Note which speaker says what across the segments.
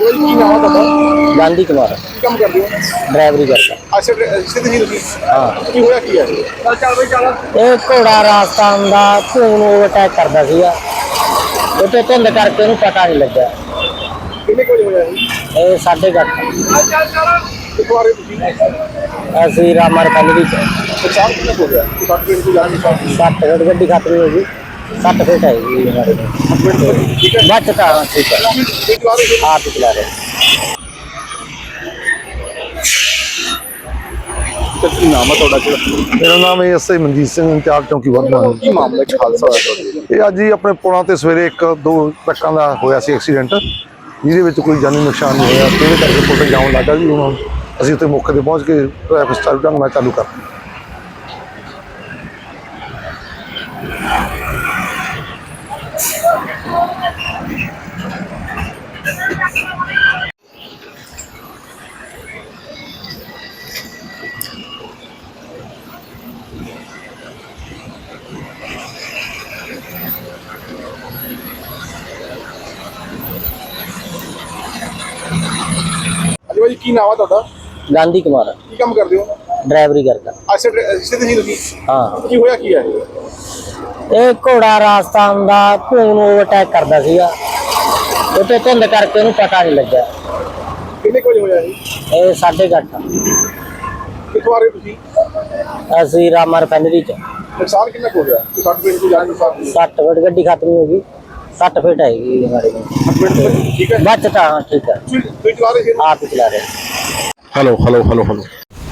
Speaker 1: ਕੀ ਨਾਮ ਆ ਤੁਹਾਡਾ?
Speaker 2: ਗਾਂਧੀ ਕੁਮਾਰ
Speaker 1: ਕੀ ਕੰਮ ਕਰਦੇ ਹੋ?
Speaker 2: ਡਰਾਈਵਰੀ ਕਰਦਾ।
Speaker 1: ਅੱਛਾ ਸਿੱਧ ਜੀ ਤੁਸੀਂ?
Speaker 2: ਹਾਂ।
Speaker 1: ਕੀ ਹੋਇਆ ਕੀ ਹੈ? ਚੱਲ ਬਈ ਚੱਲ।
Speaker 2: ਇਹ ਘੋੜਾ ਰਾਜਸਥਾਨ ਦਾ ਧੂਣ ਓਵਰਟੇਕ ਕਰਦਾ ਸੀਗਾ। ਉੱਥੇ ਧੁੰਦ ਕਰਕੇ ਉਹਨੂੰ ਪਤਾ ਨਹੀਂ ਲੱਗਾ।
Speaker 1: ਕਿੰਨੇ ਕੁ ਵਜੇ ਹੋਇਆ ਇਹ?
Speaker 2: ਇਹ 8:30।
Speaker 1: ਚੱਲ ਚੱਲ। ਕਿੱਥੋਂ ਆ ਰਹੇ ਤੁਸੀਂ?
Speaker 2: ਅਸੀਂ ਰਾਮਾ ਰਿਫਾਈਨਰੀ ਚ।
Speaker 1: ਨੁਕਸਾਨ ਕਿੰਨਾ ਕੁ ਹੋ ਗਿਆ? 60 ਮਿੰਟ ਦੀ ਜਾਣ ਨੁਕਸਾਨ?
Speaker 2: 60 ਫੁੱਟ ਗੱਡੀ ਖਤਮ ਹੋ ਗਈ। 60 ਫੁੱਟ ਹੈ ਜੀ ਹਮਾਰੇ ਕੋਲ।
Speaker 1: ਠੀਕ ਹੈ।
Speaker 2: ਬਚ ਤਾਂ ਠੀਕ ਹੈ।
Speaker 1: ਇਹ ਚਲਾ ਰਹੇ ਸੀ?
Speaker 2: ਆਪ ਹੀ ਚਲਾ ਰਹੇ।
Speaker 1: ਕੀ ਨਾਮ ਆ ਤੁਹਾਡਾ? ਕਿਹੜਾ?
Speaker 3: ਮੇਰਾ ਨਾਮ ਐਸਆਈ ਮਨਜੀਤ ਸਿੰਘ, ਇੰਚਾਰਜ ਚੌਂਕੀ ਵਰਧਮਾਨ।
Speaker 1: ਕੀ ਮਾਮਲਾ ਚ ਹਾਦਸਾ ਹੋਇਆ ਤੁਹਾਡੇ?
Speaker 3: ਇਹ ਅੱਜ ਹੀ ਆਪਣੇ ਪੁਲਾਂ ਤੇ ਸਵੇਰੇ ਦੋ ਟਰੱਕਾਂ ਦਾ ਹੋਇਆ ਸੀ ਐਕਸੀਡੈਂਟ, ਜਿਹਦੇ ਵਿੱਚ ਕੋਈ ਜਾਨੀ ਨੁਕਸਾਨ ਨਹੀਂ ਹੋਇਆ। ਇਹਦੇ ਕਰਕੇ ਪੁਲ ਤੇ ਜਾਮ ਲੱਗਾ ਜੀ। ਹੁਣ ਅਸੀਂ ਉੱਥੇ ਮੌਕੇ ਤੇ ਪਹੁੰਚ ਕੇ ਟ੍ਰੈਫਿਕ ਸਟਾਰਟ ਢੰਗ ਨਾਲ ਚਾਲੂ ਕਰ ਦਿੱਤਾ।
Speaker 1: ਹਾਂਜੀ ਭਾਈ ਕੀ ਨਾਮ ਆ ਤੁਹਾਡਾ?
Speaker 2: ਗਾਂਧੀ ਕੁਮਾਰ
Speaker 1: ਕੀ ਕੰਮ ਕਰਦੇ ਹੋ?
Speaker 2: ਡਰਾਈਵਰੀ ਕਰਦਾ।
Speaker 1: ਅੱਛਾ ਸਿੱਧ ਜੀ ਤੁਸੀਂ?
Speaker 2: ਹਾਂ।
Speaker 1: ਕੀ ਹੋਇਆ ਕੀ ਹੈ?
Speaker 2: ਇਹ ਘੋੜਾ ਰਾਜਸਥਾਨ ਦਾ ਧੂਣ ਓਵਰਟੇਕ ਕਰਦਾ ਸੀਗਾ। ਉੱਥੇ ਧੁੰਦ ਕਰਕੇ ਉਹਨੂੰ ਪਤਾ ਨਹੀਂ ਲੱਗਾ।
Speaker 1: ਕਿੰਨੇ ਕੁ ਵਜੇ ਹੋਇਆ ਇਹ?
Speaker 2: ਇਹ 8:30।
Speaker 1: ਕਿੱਥੋਂ ਆ ਰਹੇ ਤੁਸੀਂ?
Speaker 2: ਅਸੀਂ ਰਾਮਾ ਰਿਫਾਈਨਰੀ ਚ।
Speaker 1: ਨੁਕਸਾਨ ਕਿੰਨਾ ਕੁ ਹੋ ਗਿਆ? 60 ਮਿੰਟ ਦੀ ਜਾਣ ਨੁਕਸਾਨ?
Speaker 2: 60 ਫੁੱਟ ਗੱਡੀ ਖਤਮ ਹੋ ਗਈ। 60 ਫੁੱਟ ਹੈਗੀ ਹਮਾਰੇ ਕੋਲ।
Speaker 1: 60 ਮਿੰਟ ਠੀਕ ਹੈ।
Speaker 2: ਬਚ ਤਾਂ ਠੀਕ ਹੈ।
Speaker 1: ਤੁਸੀਂ ਚਲਾ ਰਹੇ ਸੀ?
Speaker 2: ਆਪ ਹੀ ਚਲਾ ਰਹੇ।
Speaker 1: Hello hello hello hello.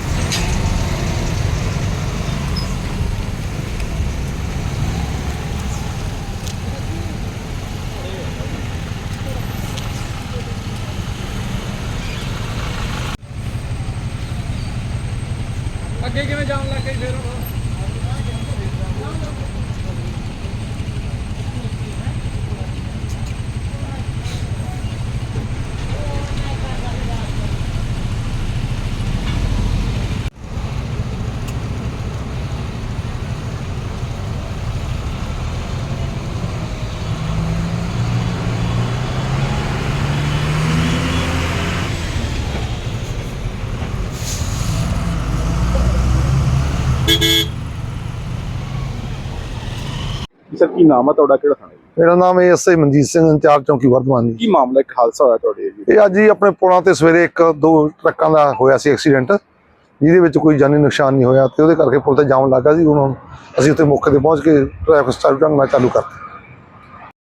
Speaker 1: ਅੱਗੇ ਕਿਵੇਂ ਜਾਣ ਲੱਗ ਗਈ ਫਿਰ? ਸਰ ਕੀ ਨਾਮ ਆ ਤੁਹਾਡਾ? ਕਿਹੜਾ ਥਾਣਾ?
Speaker 3: ਮੇਰਾ ਨਾਮ ਐਸਆਈ ਮਨਜੀਤ ਸਿੰਘ, ਇੰਚਾਰਜ ਚੌਂਕੀ ਵਰਧਮਾਨ।
Speaker 1: ਕੀ ਮਾਮਲਾ? ਇੱਕ ਹਾਦਸਾ ਹੋਇਆ ਤੁਹਾਡੇ ਜੀ?
Speaker 3: ਇਹ ਅੱਜ ਹੀ ਆਪਣੇ ਪੁਲਾਂ ਤੇ ਸਵੇਰੇ ਦੋ ਟਰੱਕਾਂ ਦਾ ਹੋਇਆ ਸੀ ਐਕਸੀਡੈਂਟ, ਜਿਹਦੇ ਵਿੱਚ ਕੋਈ ਜਾਨੀ ਨੁਕਸਾਨ ਨਹੀਂ ਹੋਇਆ। ਤੇ ਉਹਦੇ ਕਰਕੇ ਪੁਲ ਤੇ ਜਾਮ ਲੱਗਾ ਸੀ। ਹੁਣ ਅਸੀਂ ਉੱਥੇ ਮੌਕੇ ਤੇ ਪਹੁੰਚ ਕੇ ਟ੍ਰੈਫਿਕ ਸਟਾਰਟ ਢੰਗ ਨਾਲ ਚਾਲੂ ਕਰ ਦਿੱਤਾ।